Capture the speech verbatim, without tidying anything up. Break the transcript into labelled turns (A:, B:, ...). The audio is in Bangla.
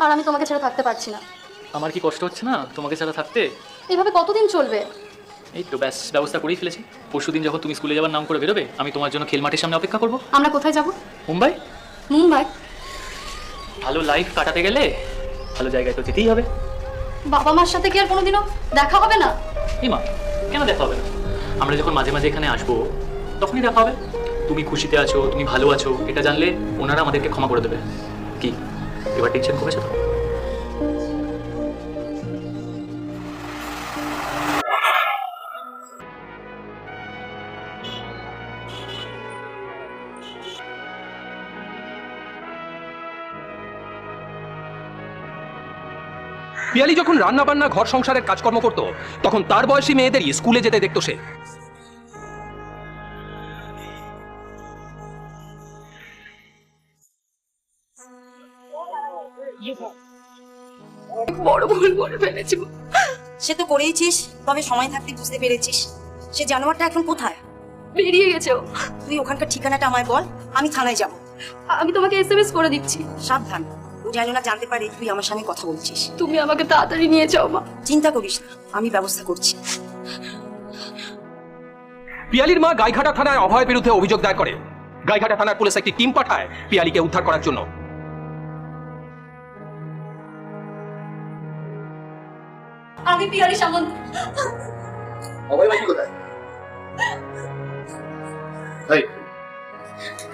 A: আর আমি তোমাকে ছেড়ে থাকতে পারছি না।
B: আমার কি কষ্ট হচ্ছে না তোমাকে ছাড়া থাকতে?
A: এইভাবে কতদিন চলবে?
B: এই তো ব্যাস ব্যবস্থা করেই ফেলেছি। পরশুদিন যখন তুমি স্কুলে যাওয়ার নাম করে বেরোবে, আমি তোমার জন্য খেল মাঠের সামনে অপেক্ষা করব।
A: আমরা কোথায় যাব?
B: মুম্বাই।
A: মুম্বাই?
B: ভালো লাইফ কাটাতে গেলে ভালো জায়গায় তো যেতেই হবে।
A: বাবা মার সাথে কি আর কোনোদিনও দেখা হবে না?
B: ইমা, কেন দেখা হবে না? আমরা যখন মাঝে মাঝে এখানে আসবো তখনই দেখা হবে। তুমি খুশিতে আছো, তুমি ভালো আছো, এটা জানলে ওনারা আমাদেরকে ক্ষমা করে দেবে। কি এবার টেনশন কমেছে তো?
C: পিয়ালি যখন রান্না বান্না ঘর সংসারের কাজকর্ম করত তখন তার বয়সী মেয়েদেরই স্কুলে যেতে দেখতো সে।
A: বড় ভুল করে ফেলেছি।
D: সে তো করেইছিস, তবে সময় থাকতে বুঝতে পেরেছিস। সে জানোয়ারটা এখন কোথায়?
A: বেরিয়ে গেছে ও।
D: তুই ওখানকার ঠিকানাটা আমায় বল, আমি থানায় যাব।
A: আমি তোমাকে এসএমএস করে দিচ্ছি।
D: সাবধান, ও যেন না জানতে পারে তুই আমার সঙ্গে কথা বলছিস।
A: তুমি আমাকে তাড়াতাড়ি নিয়ে যাও মা।
D: চিন্তা করিস না, আমি ব্যবস্থা করছি।
C: পিয়ালির মা গাইঘাটা থানায় অভয়ের বিরুদ্ধে অভিযোগ দায়ের করে। গাইঘাটা থানার পুলিশ একটি টিম পাঠায় পিয়ালিকে উদ্ধার করার জন্য।
A: আমি পিয়ালি সামন্ত।
E: অভয় ভাই কোথায়? ভাই